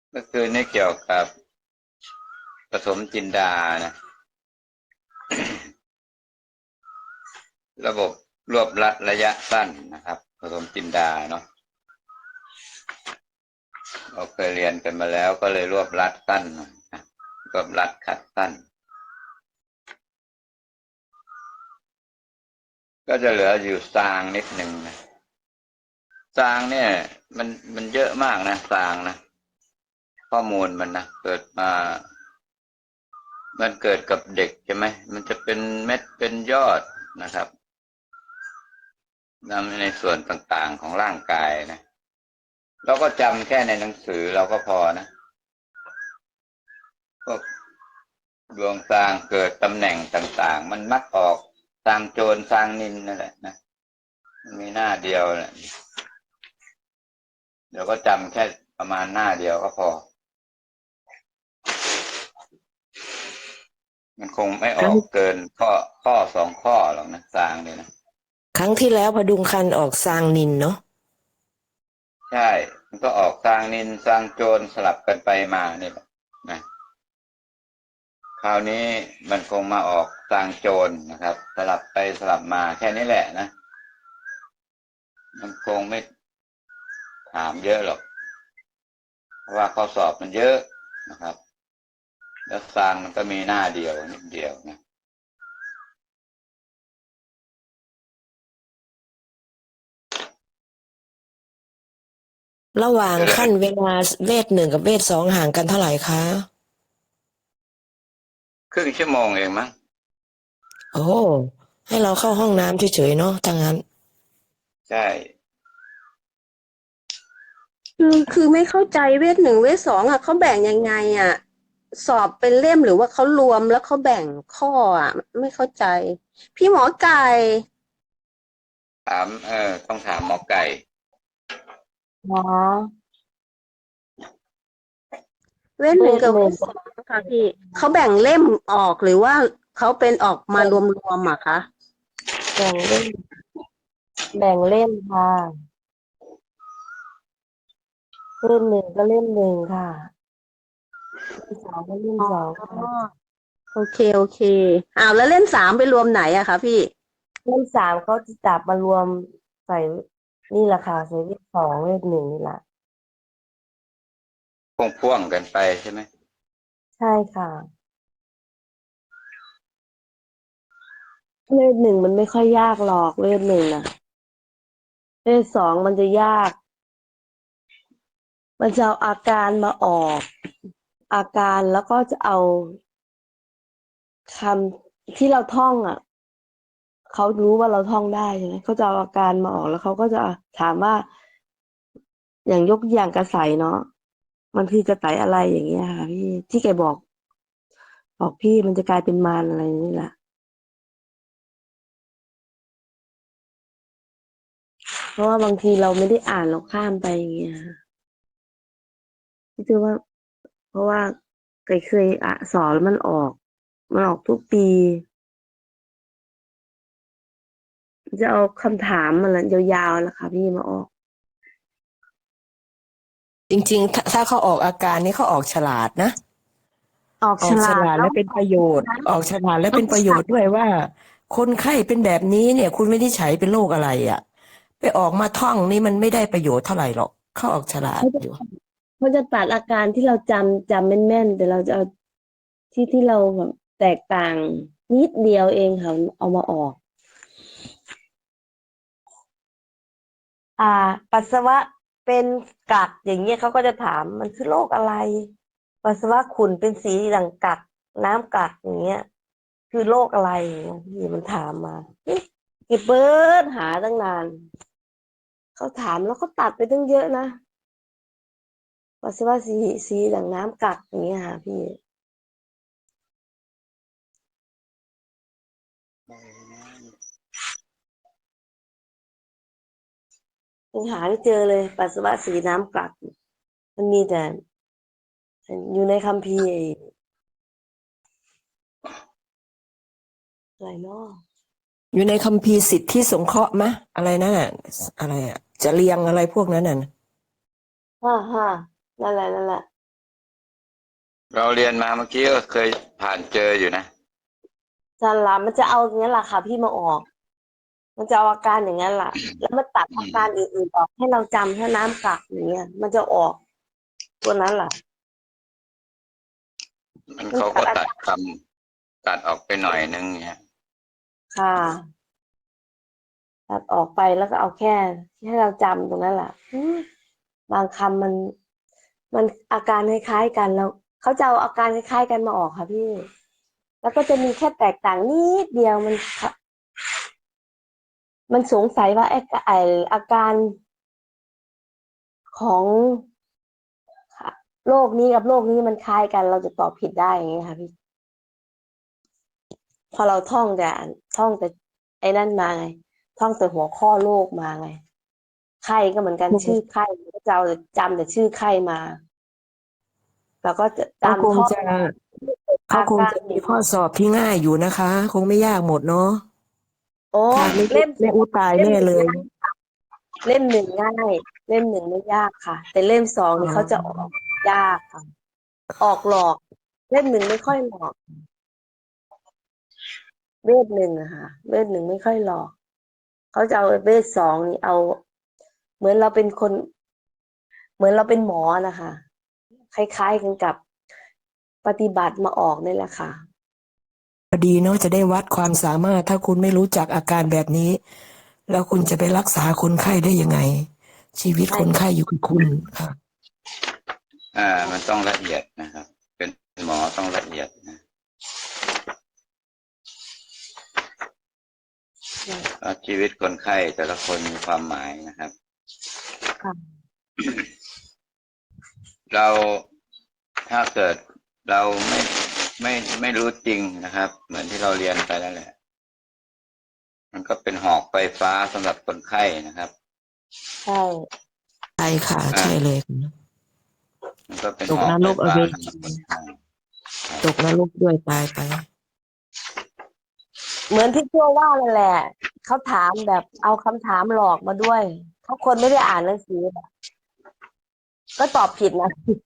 ก็คือนี่เกี่ยวกับผสมจินดานะระบบรวบรัดระยะสั้นนะครับผสมจินดาเนาะเราเคยเรียนกันมาแล้วก็เลยรวบรัดสั้นหน่อยนะรวบรัดขัดสั้นก็จะเหลืออยู่ซางนิดหนึ่งนะซางเนี่ยมันเยอะมากนะซางนะข้อมูลมันนะเกิดมามันเกิดกับเด็กใช่ไหมมันจะเป็นเม็ดเป็นยอดนะครับนำในส่วนต่างๆของร่างกายนะเราก็จำแค่ในหนังสือเราก็พอนะพวกดวงซางเกิดตำแหน่งต่างๆมันมักออกซางโจรซางนินนั่นแหละนะมันมีหน้าเดียวแหละเดี๋ยวก็จำแค่ประมาณหน้าเดียวก็พอมันคงไม่อครั้งอกเกินข้อสองข้อหรอกนะซางเนี่ยนะครั้งที่แล้วพดุงคันออกซางนินเนาะใช่มันก็ออกซางนินซางโจรสลับกันไปมาเนี่ยแหละนะคราวนี้มันคงมาออกซางโจรนะครับสลับไปสลับมาแค่นี้แหละนะมันคงไม่ถามเยอะหรอกเพราะว่าข้อสอบมันเยอะนะครับแล้วซางมันก็มีหน้าเดียวนิดเดียวนะระหว่างขั้นเวลาเวทหนึ่งกับเวทสองห่างกันเท่าไหร่คะครึ่งชั่วโมงเองมั้งโอ้ให้เราเข้าห้องน้ำเฉยๆเนาะถ้างั้นใช่คือไม่เข้าใจเวทหนึ่งเวทสองอ่ะเขาแบ่งยังไงอ่ะสอบเป็นเล่มหรือว่าเขารวมแล้วเขาแบ่งข้ออ่ะไม่เข้าใจพี่หมอไก่ถามต้องถามหมอไก่หมอเวทเวหนึ่งทหนึ่งกับเวทสองค่ะพี่เขาแบ่งเล่มออกหรือว่าเขาเป็นออกมารวมๆอ่ะคะแบ่งเล่มแบ่งเล่มค่ะเล่มหนึ่งก็เล่มหนึ่งค่ะเล่มสองก็เล่มอ๋สองค่ะอโอเคอ้าวแล้วเล่มสามไปรวมไหนอะคะพี่เล่มสามเขาจะจับมารวมใส่นี่แหละค่ะใส่เวทสองเวทหนึ่งนี่แหละพ่วงกันไปใช่ไหมใช่ค่ะเวทหนึ่งมันไม่ค่อยยากหรอกเวทหนึ่งนะเวทสองมันจะยากมันจะเอาอาการมาออกอาการแล้วก็จะเอาคำที่เราท่องอ่ะเขารู้ว่าเราท่องได้ใช่ไหมเขาจะเอาอาการมาออกแล้วเขาก็จะถามว่าอย่างยกอย่างกระใสเนาะมันคือกระใสอะไรอย่างเงี้ยค่ะพี่ที่แกบอกพี่มันจะกลายเป็นมารอะไรนี่แหละเพราะว่าบางทีเราไม่ได้อ่านเราข้ามไปอย่างเงี้ยค่ะพี่คือว่าเพราะว่าเคยอ่ะสอนแล้วมันออกทุกปีจะเอาคำถามมันละยาวๆนะคะพี่มาออกจริงๆถ้าเขาออกอาการนี่เขาออกฉลาดนะออกออกฉฉลาดแล้วลาดและเป็นประโยชน์ออกฉลาดและเป็นประโยชน์ด้วยว่าคนไข้เป็นแบบนี้เนี่ยคุณวินิจฉัยเป็นโรคอะไรอ่ะไปออกมาท่องนี่มันไม่ได้ประโยชน์เท่าไหร่หรอกเขาออกฉลาดเขาจะอยู่เขาจะตัดอาการที่เราจำแม่นๆแต่เราจะเอาที่เราแบบแตกต่างนิดเดียวเองค่ะเอามาออกอ่าปัสสาวะเป็นกัดอย่างเงี้ยเขาก็จะถามมันคือโรคอะไรปัสสาวะขุ่นเป็นสีด่างกัดน้ำกัดอย่างเงี้ยคือโรคอะไรอย่างเงี้ยพี่มันถามมาเอ๊ะกี่เบิร์ดหาตั้งนานเขาถามแล้วเขาตัดไปตั้งเยอะนะปัสสาวะสีด่างน้ำกัดอย่างเงี้ยค่ะพี่ยังหาไม่เจอเลยปัสสาวะสีน้ำกัดมันมีแต่อยู่ในคัมภีร์อะไรเนาะอยู่ในคัมภีร์สิทธิสงเคราะห์มะอะไรนั่นน่ะอะไรอ่ะจะเรียงอะไรพวกนั้นน่ะฮ่านั่นแหละเราเรียนมาเมื่อกี้ก็เคยผ่านเจออยู่นะจันละมันจะเอาอย่างนั้นแหละค่ะพี่มาออก มันจะเอาอาการอย่างนั้นแหละแล้วมันตัดอาการอื่นๆออกให้เราจำแค่น้ำกักอย่างเงี้ยมันจะออกตัวนั้นแหละมันมันเขาก็ตัดตัดอาการคำตัดออกไปหน่อยนึงเนี่ยค่ะตัดออกไปแล้วก็เอาแค่ให้เราจำตรงนั้นแหละบางคำมันอาการคล้ายๆกันแล้วเขาจะเอาอาการคล้ายๆกันมาออกค่ะพี่ แล้วก็จะมีแค่แตกต่างนิดเดียวมันสงสัยว่าไออาการของโรคนี้กับโรคนี้มันคล้ายกันเราจะตอบผิดได้อย่างเงี้ยค่ะพี่พอเราท่องแต่ไอ้นั่นมาไงท่องแต่หัวข้อโรคมาไงไข้ก็เหมือนกันชื่อไข้ก็จะเอาจำแต่ชื่อไข้มาแล้วก็จะเขาคจำท่องงจะเขาอาคงการจะมีข้อสอบที่ง่ายอยู่นะคะ คงไม่ยากหมดเนาะโอ้ค่ะไม่เล่มไม่อุตายเล่มแน่เลยหนึ่งง่ายเล่มหนึ่งง่ายเล่มหนึ่งไม่ยากค่ะแต่เล่มสองอ๋นี่เขาจะอออกยากค่ะออกหลอกเล่มหนึ่งไม่ค่อยหลอกเวทหนึ่งอะค่ะเวทหนึ่งไม่ค่อยหลอกเขาจะเอาเวทสองนี่เอาเหมือนเราเป็นคนเหมือนเราเป็นหมอนะคะคล้ายๆกันกับปฏิบัติมาออกนี่แหละค่ะพอดีเนาะจะได้วัดความสามารถถ้าคุณไม่รู้จักอาการแบบนี้แล้วคุณจะไปรักษาคนไข้ได้ยังไงชีวิตใช่คนไข้อยู่กับคุณค่ะมันต้องละเอียดนะครับ เป็นหมอต้องละเอียดนะเพราะชีวิตคนไข้แต่ละคนมีความหมายนะครับค่ะเราถ้าเกิดเราไม่รู้จริงนะครับ เหมือนที่เราเรียนไปแล้วแหละมันก็เป็นหอกไฟฟ้าสำหรับคนไข้นะครับใช่ใช่ค่ะอ่าใช่เลยมันก็เป็นตกนหอกไฟฟ้ารกอเวสำหรับคนจีไข้ตกนรกด้วยตายไปเหมือนที่ตัวว่านั่นแหละเขาถามแบบเอาคำถามหลอกมาด้วยเขาคนไม่ได้อ่านหนังสือแบบก็ตอบผิดนะ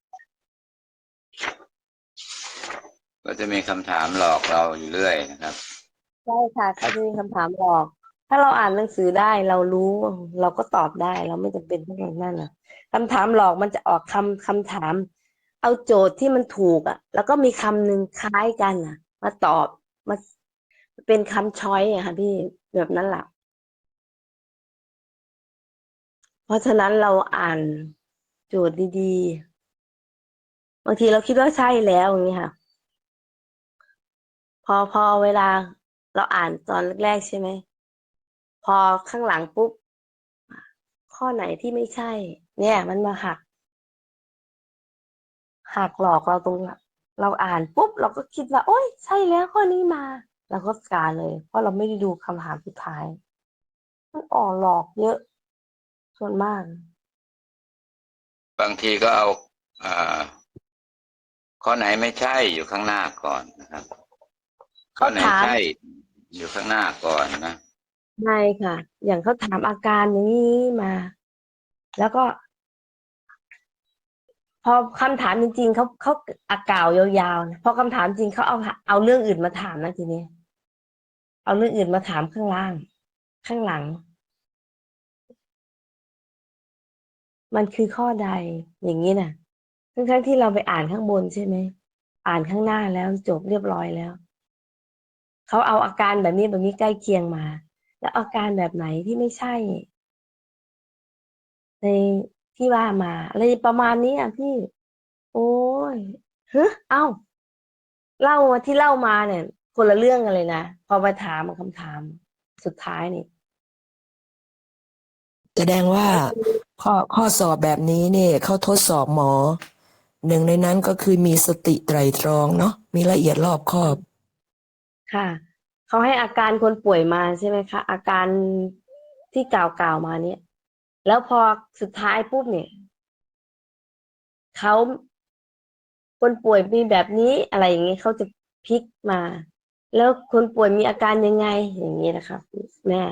ก็จะมีคำถามหลอกเราอยู่เรื่อยนะครับใช่ค่ะเขาจะมีคำถามหลอกถ้าเราอ่านหนังสือได้เรารู้เราก็ตอบได้เราไม่จำเป็นต้องอย่างนั้นนะคำถามหลอกมันจะออกคำถามเอาโจทย์ที่มันถูกอ่ะแล้วก็มีคำหนึ่งคล้ายกันอ่ะมาตอบมาเป็นคำช้อยอะค่ะพี่แบบนั้นแหละเพราะฉะนั้นเราอ่านโจทย์ดีๆบางทีเราคิดว่าใช่แล้วอย่างนี้ค่ะพอเวลาเราอ่านตอนแรกๆใช่ไหมพอข้างหลังปุ๊บข้อไหนที่ไม่ใช่เนี่ยมันมาหักหลอกเราตรงเราอ่านปุ๊บเราก็คิดว่าโอ๊ยใช่แล้วข้อนี้มาเราก็กาเลยเพราะเราไม่ได้ดูคำถามสุดท้ายมันออกหลอกเยอะส่วนมากบางทีก็เอาอ่าข้อไหนไม่ใช่อยู่ข้างหน้าก่อนนะครับข้อเขาถามไหนใช่อยู่ข้างหน้าก่อนนะไงค่ะอย่างเขาถามอาการอย่างนี้มาแล้วก็พอคำถามจริงๆเขากล่าวยาวๆนะพอคำถามจริงเขาเอาเรื่องอื่นมาถามนะทีนี้เอาเรื่องอื่นมาถามข้างล่างข้างหลังมันคือข้อใดอย่างนี้น่ะทั้งที่เราไปอ่านข้างบนใช่ไหมอ่านข้างหน้าแล้วจบเรียบร้อยแล้ว เขาเอาอาการแบบนี้ใกล้เคียงมาแล้วอาการแบบไหนที่ไม่ใช่ในที่ว่ามาอะไรประมาณนี้อ่ะพี่โอ้ยเอ้าเล่ามาที่เล่ามาเนี่ยคนละเรื่องกันเลยนะพอมาถามคำถามสุดท้ายนี่แสดงว่าข้อสอบแบบนี้เนี่ยเขาทดสอบหมอหนึ่งในนั้นก็คือมีสติไตร่ตรองเนาะมีละเอียดรอบคอบค่ะเขาให้อาการคนป่วยมาใช่ไหมคะอาการที่กล่าวมาเนี่ยแล้วพอสุดท้ายปุ๊บเนี่ยเขาคนป่วยมีแบบนี้อะไรอย่างเงี้ยเขาจะพลิกมาแล้วคนป่วยมีอาการยังไงอย่างนี้นะคะแม่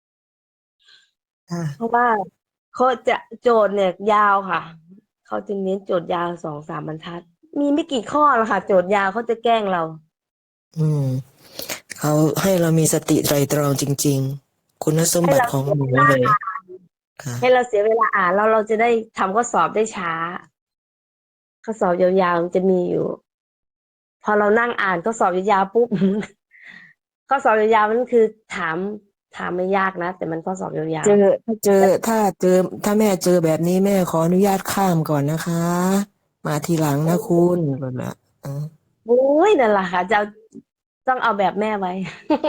เพค่ะราะว่าเขาจะโจทย์เนี่ยยาวค่ะเขาจะเน้นโจทย์ยาว2-3 บรรทัดมีไม่กี่ข้อหรอกค่ะโจทย์ยาวเขาจะแกล้งเราอืมเขาให้เรามีสติไตรตรองจริงๆคุณสมให้เราบัติของหนูเลยค่ะให้เราเสียเวลาอ่านแล้วเราจะได้ทำข้อสอบได้ช้าข้อสอบยาวๆมันจะมีอยู่ พอเรานั่งอ่านข้อสอบยาวๆปุ๊บ ข้อสอบยาวๆมันคือถามไม่ยากนะแต่มันข้อสอบยาวเจอถ้าเจอถ้าเจอถ้าแม่เจอแบบนี้แม่ขออนุญาตข้ามก่อนนะคะ มาทีหลังนะคุณแบบน่ะอืมๆโอ้ยนั่นแหละค่ะจะเอาต้องเอาแบบแม่ไว้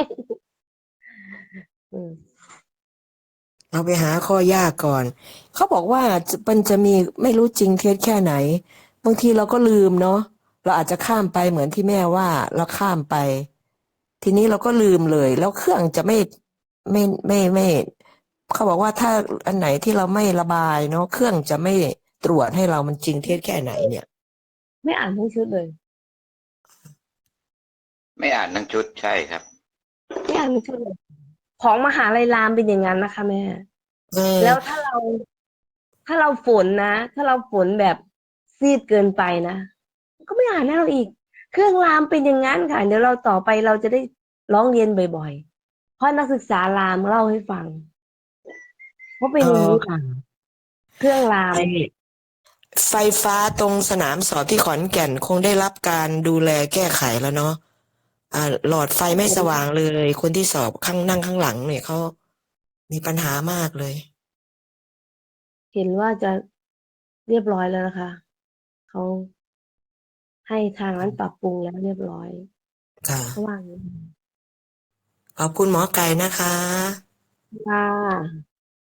อืมเอาไปหาข้อยากก่อนเขาบอกว่ามันจะมีไม่รู้จริงเท็จแค่ไหนบางทีเราก็ลืมเนาะเราอาจจะข้ามไปเหมือนที่แม่ว่าเราข้ามไปทีนี้เราก็ลืมเลยแล้วเครื่องจะไม่เขาบอกว่าถ้าอันไหนที่เราไม่ระบายเนาะเครื่องจะไม่ตรวจให้เรามันจริงเท็จแค่ไหนเนี่ยไม่อ่านทั้งชุดเลยไม่อ่านทั้งชุดใช่ครับไม่อ่านทั้งชุดเลยของมหาลัยรามเป็นอย่างนั้นนะคะแม่เออแล้วถ้าเราฝนนะถ้าเราฝนแบบซีดเกินไปนะก็ไม่อ่านให้เราอีกเครื่องรามเป็นอย่างนั้นค่ะเดี๋ยวเราต่อไปเราจะได้ร้องเรียนบ่อยๆเพราะนักศึกษารามเล่าให้ฟังเพราะเป็เออนอย่างนี้ค่ะเครื่องรามไอไฟฟ้าตรงสนามสอบที่ขอนแก่นคงได้รับการดูแลแก้ไขแล้วเนาะหลอดไฟไม่สว่างเลยคนที่สอบข้างนั่งข้างหลังเนี่ยเขามีปัญหามากเลยเห็นว่าจะเรียบร้อยแล้วนะคะเขาให้ทางนั้นปรับปรุงแล้วเรียบร้อยค่ะเขาว่าอย่างนี้ขอบคุณหมอไก่นะคะค่ะ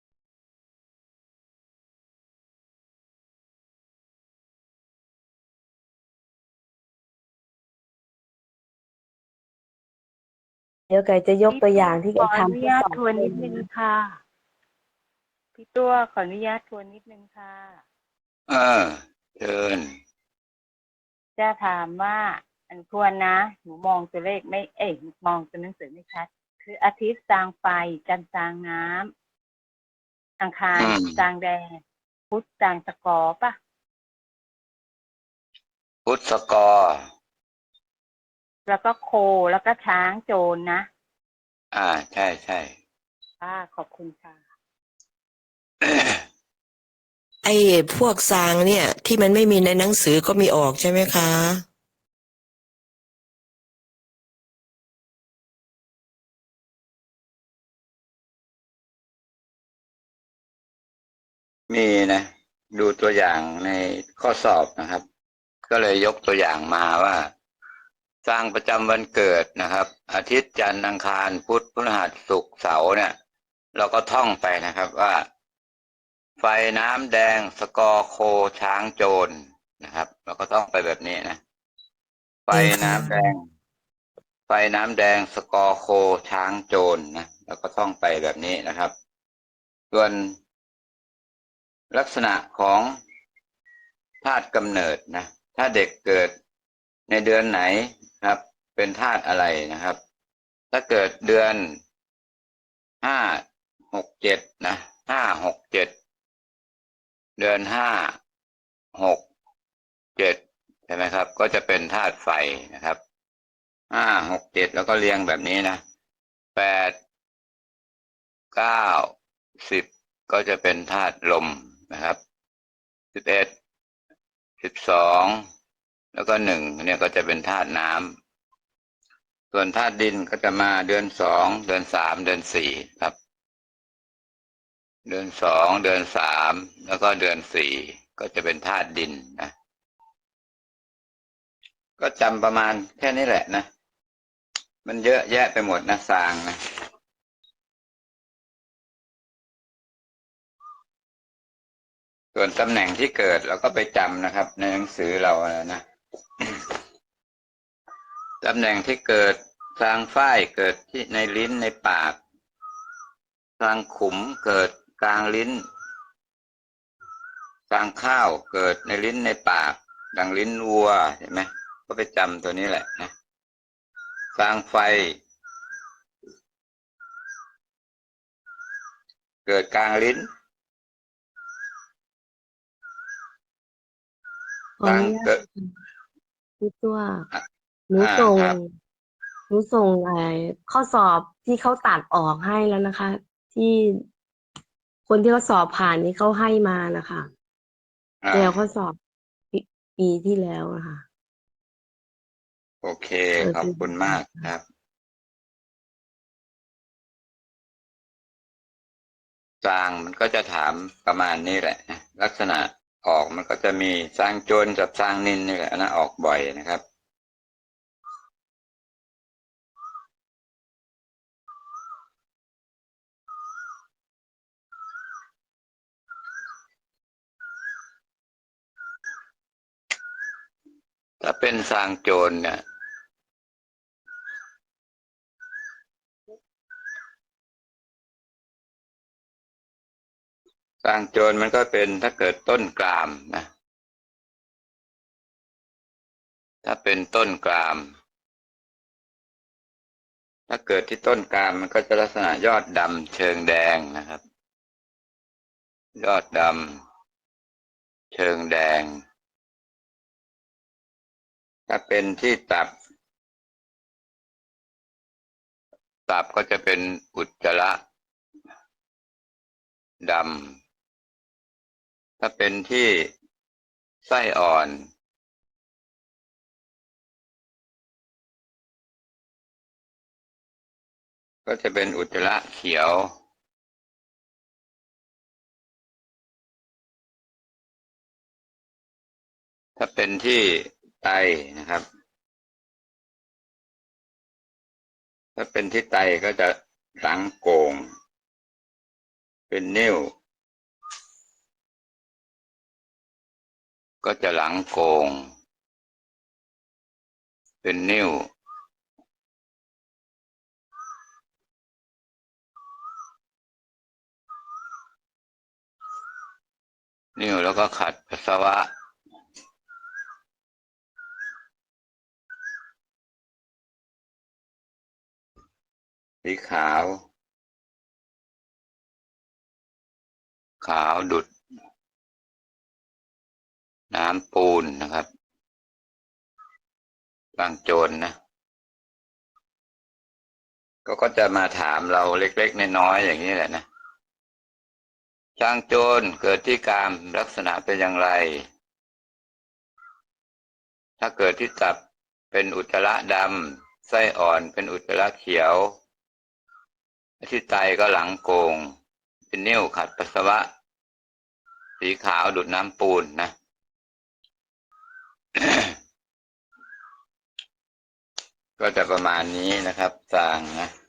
เดี๋ยวไก่จะยกพี่ตัวอตัวย่างที่ขอไก่อนุทำทดสอบญาตทวนให้นิดนึงค่ะพี่ตัวขออนุญาตทวนนิดนึงค่ะเออเชิญจะถามว่าอันทวนนะหนูมองตัวเลขไม่มองตัวหนังสือไม่ชัดคืออาทิตย์สร้างไฟจันทร์สร้างน้ำอังคารอืมสร้างแดดพุธสร้างตะกอป่ะพุทธกรแล้วก็โคแล้วก็ช้างโจรนะใช่ใช่ขอบคุณค่ะไอ้พวกซางเนี่ยที่มันไม่มีในหนังสือก็มีออกใช่ไหมคะมีนะดูตัวอย่างในข้อสอบนะครับก็เลยยกตัวอย่างมาว่าสร้างประจำวันเกิดนะครับอาทิตย์จันทร์อังคารพุธพฤหัสศุกร์เสาร์เนี่ยเราก็ท่องไปนะครับว่าไฟน้ำแดงสกอร์โคช้างโจรนะครับเราก็ต้องไปแบบนี้นะไฟเองค่ะน้ำแดงไฟน้ำแดงสกอร์โคช้างโจรนะแล้วก็ท่องไปแบบนี้นะครับส่วนลักษณะของธาตุกำเนิดนะถ้าเด็กเกิดในเดือนไหนครับเป็นธาตุอะไรนะครับถ้าเกิดเดือน5 6 7นะ5 6 7เดือน5 6 7ใช่ไหมครับก็จะเป็นธาตุไฟนะครับ5 6 7แล้วก็เรียงแบบนี้นะ8 9 10ก็จะเป็นธาตุลมนะครับ11 12แล้วก็1เนี่ยก็จะเป็นธาตุน้ำส่วนธาตุดินก็จะมาเดือน 2เดือน 3เดือน 4ครับเดือน 2เดือน 3แล้วก็เดือน 4ก็จะเป็นธาตุดินนะก็จำประมาณแค่นี้แหละนะมันเยอะแยะไปหมดนะสร้างนะส่วนตำแหน่งที่เกิดเราก็ไปจำนะครับในหนังสือเรานะตำแหน่งที่เกิดทางฝ้ายเกิดที่ในลิ้นในปากทางขุมเกิดกลางลิ้นทางข้าวเกิดในลิ้นในปากดังลิ้นวัวเห็นไหมก็ไปจำตัวนี้แหละนะทางไฟเกิดกลางลิ้นขออทางนุญาตเกิดพี่ตัวอ่ะหนูส่งครับหนูส่งข้อสอบที่เขาตัดออกให้แล้วนะคะ ที่คนที่เขาสอบผ่านนี่เขาให้มานะคะอ่าแล้วข้อสอบปีปีที่แล้วนะคะโอเค ขอบเปิดเป็นคุณมากครับ สร้างมันก็จะถามประมาณนี้แหละนะลักษณะออกมันก็จะมีสร้างโจรกับสร้างนินนี่แหละนะออกบ่อยนะครับถ้าเป็นสร้างโจรเนี่ยสร้างโจรมันก็เป็นถ้าเกิดต้นกลามนะถ้าเป็นต้นกลามถ้าเกิดที่ต้นกลามมันก็จะลักษณะยอดดำเชิงแดงนะครับยอดดำเชิงแดงถ้าเป็นที่ตับก็จะเป็นอุจจาระดำถ้าเป็นที่ไส้อ่อนก็จะเป็นอุจจาระเขียวถ้าเป็นที่ไตนะครับถ้าเป็นที่ไตก็จะหลังโก่งเป็นนิ่วก็จะหลังโก่งเป็นนิ่วนิ่วแล้วก็ขัดปัสสาวะสีขาวขาวดุจน้ำปูนนะครับบางโจรนะก็จะมาถามเราเล็กๆน้อยๆอย่างนี้แหละนะช้างโจรเกิดที่กามลักษณะเป็นอย่างไรถ้าเกิดที่ตับเป็นอุจจาระดำไส้อ่อนเป็นอุจจาระเขียวที่ไตก็หลังโกงเป็นนิ่วขัดปัสสาวะสีขาวดุจน้ำปูนนะ ก็จะประมาณนี้นะครับสร้างนะ